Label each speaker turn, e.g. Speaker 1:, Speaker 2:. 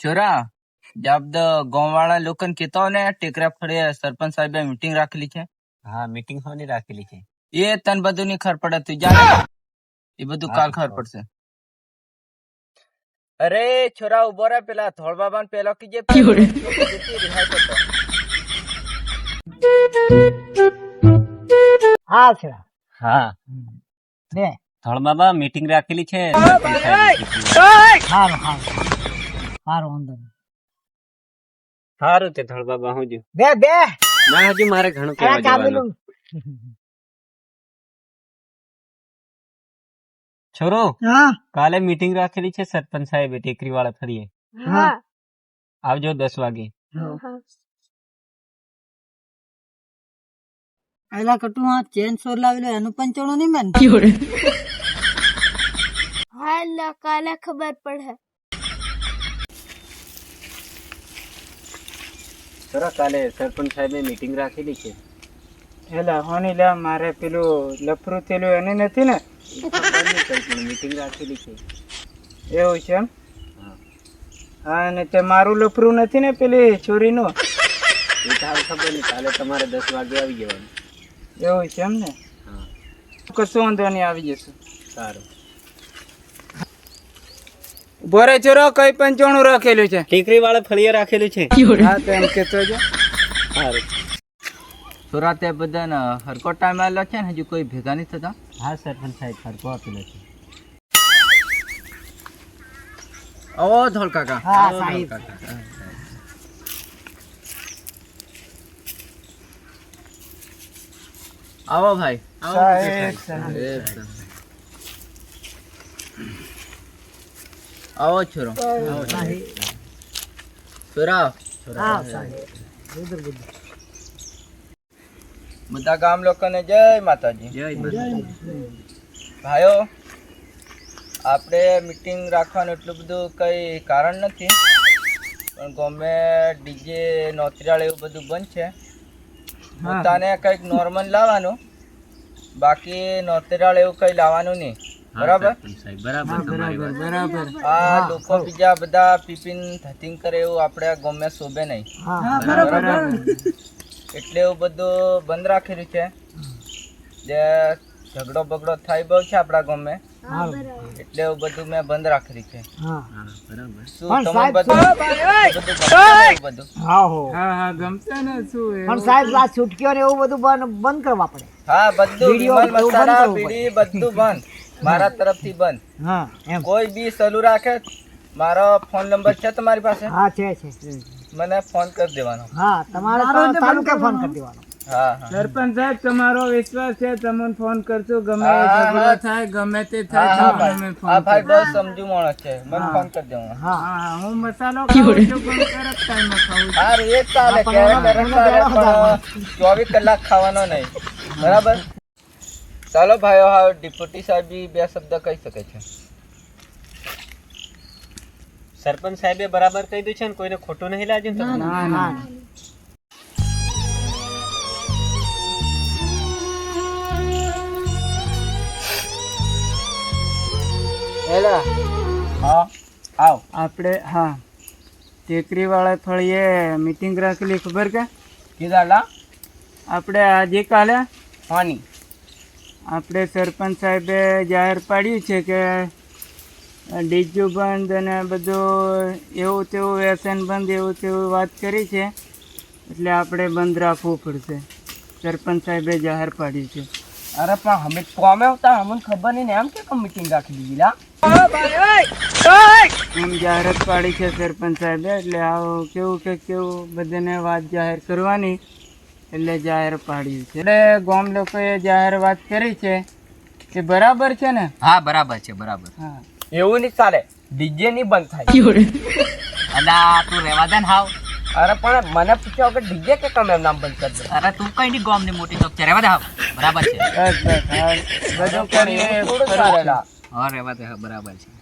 Speaker 1: छोरा जब गाँव वाला लोकन कहता ने टेकरा फड़े सरपंच साहेब मीटिंग રાખેલી છે.
Speaker 2: હા મીટિંગ હોની રાખેલી છે.
Speaker 1: એ તન બધું ની ખબર પડે તું જા એ બધું કાલ ખબર પડશે. અરે છોરા ઉભો રે પેલા ધોળ બાબાને પેલો કીજે
Speaker 3: હા છે
Speaker 2: હા
Speaker 3: બે
Speaker 2: ધોળ બાબા મીટિંગ રાખેલી છે.
Speaker 3: હારું અંદર
Speaker 2: સારું તે ધોળ બાબા હું
Speaker 3: બે બે
Speaker 2: ના હજુ મારે ઘણું કહેવા જવાનું. છોરો
Speaker 3: હા
Speaker 2: કાલે મીટિંગ રાખેલી છે સરપંચ સાહેબે ટેકરી વાળા ફરીએ.
Speaker 3: હા
Speaker 2: આવજો 10 વાગે.
Speaker 3: એલા કટુ આ ચેન સોર લાવેલો એનું પંચાણું નહીં મેન
Speaker 4: હાલા કાલે ખબર પડે.
Speaker 2: છોરા કાલે સરપંચ સાહેબે મીટિંગ રાખેલી છે.
Speaker 5: એલા હોની લા મારે પેલું લફરું થયેલું એને નથી ને
Speaker 2: મીટિંગ રાખેલી છે.
Speaker 5: એવું છે એમ
Speaker 2: હા.
Speaker 5: હા ને તે મારું લફરું નથી ને પેલી છોરીનું
Speaker 2: એ તો હાલ ખબર નહીં. કાલે તમારે 10 વાગે આવી જવાનું.
Speaker 5: એવું છે એમ ને
Speaker 2: હા
Speaker 5: કશું વાંધો નહીં આવી જશું.
Speaker 2: સારું.
Speaker 5: બોરે ચોરો કઈ પંચાણું રાખેલું છે
Speaker 2: ટેકરી વાળા ફળીએ રાખેલું છે.
Speaker 5: હા તો એમ કેતો છે.
Speaker 2: સારું.
Speaker 1: છોરા તે બધા હરકો ટાઈમ આવેલો છે ને હજુ કોઈ ભેગા નહીં થતા.
Speaker 2: હા સરપંચ સાહેબ ફરકો આપેલો છે.
Speaker 1: ઓ ધોળ કાકા
Speaker 3: હા સાહેબ
Speaker 1: આવો ભાઈ
Speaker 5: સાહેબ
Speaker 1: આવો છોરો છોરા
Speaker 3: હા સાહેબ
Speaker 1: બધા ગામ લોકોને જય માતાજી.
Speaker 2: જય માતાજી.
Speaker 1: ભાઈઓ આપણે મીટિંગ રાખવાનું એટલું બધું કઈ કારણ નથી પણ ગમે ડીજે નોતરાળ એવું બધું બંધ છે. પોતાને કંઈક નોર્મલ લાવવાનું બાકી નોતરાળ એવું કઈ લાવવાનું નહીં. બરાબર
Speaker 2: સરપંચ સાહેબ બરાબર તમારી વાત.
Speaker 5: બરાબર
Speaker 1: આ લોકો બીજા બધા પીપીન ધતિંગ કરે એવું આપણે ગમે શોભે નહીં.
Speaker 3: હા
Speaker 1: બરાબર એટલે એવું બધું બંધ રાખેલું છે. જે ઝઘડો બગડો થાય બહુ છે આપણા ગામે એટલે એવું બધું મેં બંધ રાખેલું છે.
Speaker 3: હા
Speaker 2: હા બરાબર.
Speaker 1: શું
Speaker 3: પણ
Speaker 1: તમે
Speaker 3: સાહેબ-
Speaker 1: બધું બધું
Speaker 3: હા હો
Speaker 5: હા હા ગમશે ને શું
Speaker 3: પણ
Speaker 5: એવું?
Speaker 3: સાહેબ આ છૂટકીઓ ને એવું બધું બંધ કરવા પડે
Speaker 1: હા બધું
Speaker 3: વિડીયો
Speaker 1: વિમલ
Speaker 3: એવું
Speaker 1: મસાલા
Speaker 3: બંધ કરવું
Speaker 1: બીડી બધું બંધ મારા તરફથી બંધ.
Speaker 3: હા એમ
Speaker 1: કોઈ બી સલું રાખે મારો ફોન નંબર છે તમારી પાસે
Speaker 3: હા છે
Speaker 1: મને ફોન કરી દેવાનો.
Speaker 3: હા તમારે તાલુકે ફોન કરી દેવાનો
Speaker 1: હા હા
Speaker 5: સરપંચ સાહેબ તમારો વિશ્વાસ છે તમને ફોન કરશું ગમે
Speaker 1: હા,
Speaker 5: એ
Speaker 1: હા,
Speaker 5: ઝઘડો
Speaker 1: હા.
Speaker 5: થાય ગમે તે
Speaker 1: હા
Speaker 5: થાય
Speaker 1: હા
Speaker 5: તમને
Speaker 1: ભાઈ
Speaker 5: ફોન
Speaker 1: આ ભાઈ
Speaker 5: કરશું.
Speaker 1: બહુ સમજુ માણસ છે મને ફોન કરી દેવાનો.
Speaker 3: હા
Speaker 5: હા હા હું મસાલો ખાઉં છું પણ કરેક્ટ ટાઈમે ખાઉં છું.
Speaker 1: સારું એ જ ચાલે
Speaker 3: હા, પણ
Speaker 1: ક્યારેક
Speaker 3: એમાં
Speaker 1: ચાલે
Speaker 3: એમાં
Speaker 1: પણ 24 કલાક ખાવાનો નહીં. બરાબર ચાલો ભાઈઓ હા ડિપ્યુટી સાહેબ બી બે શબ્દ કહી શકે છે.
Speaker 2: સરપંચ સાહેબે બરાબર કહી દીધું છે ને કોઈને ખોટું નહીં લાગ્યું ને તમને?
Speaker 5: ના ના એલા
Speaker 1: હા આવ
Speaker 5: આપણે હા ટેકરી વાળા ફળીએ મીટિંગ રાખેલી ખબર કે
Speaker 1: કીધાલા
Speaker 5: આપણે આજે કાલે
Speaker 1: પાણી
Speaker 5: આપણે સરપંચ સાહેબે જાહેર પાડ્યું છે કે ડીજુ બંધ અને બધું એવું તેવું વ્યસન બંધ એવું તેવું વાત કરી છે એટલે આપણે બંધ રાખવું પડશે. સરપંચ સાહેબે જાહેર પાડ્યું છે.
Speaker 1: અરે પણ અમે કોમે આવતા અમને ખબર નહીં ને એમ કે મીટિંગ રાખી દીધી લા
Speaker 5: એમ જાહેરાત પાડી છે સરપંચ સાહેબે એટલે આવું કેવું બધાને વાત જાહેર કરવાની એટલે જાહેર પાડ્યું છે. એટલે ગામ લોકોએ જાહેર વાત કરી છે એ બરાબર છે ને?
Speaker 1: હા બરાબર છે બરાબર.
Speaker 5: હા
Speaker 1: એવું નહીં ચાલે ડીજે નહીં બંધ થાય. અલા તું રેવા દે ને હાવ. અરે પણ મને પૂછ્યો કે ડીજે કે તમે નામ બંધ કરી દો. અરે તું કઈ નહીં ગામની મોટી ચોક છે રેવા દે હાવ. બરાબર છે
Speaker 5: બસ બસ હા બધું કરીએ
Speaker 1: થોડું ચાલે લા. હા રેવા દે હા બરાબર છે.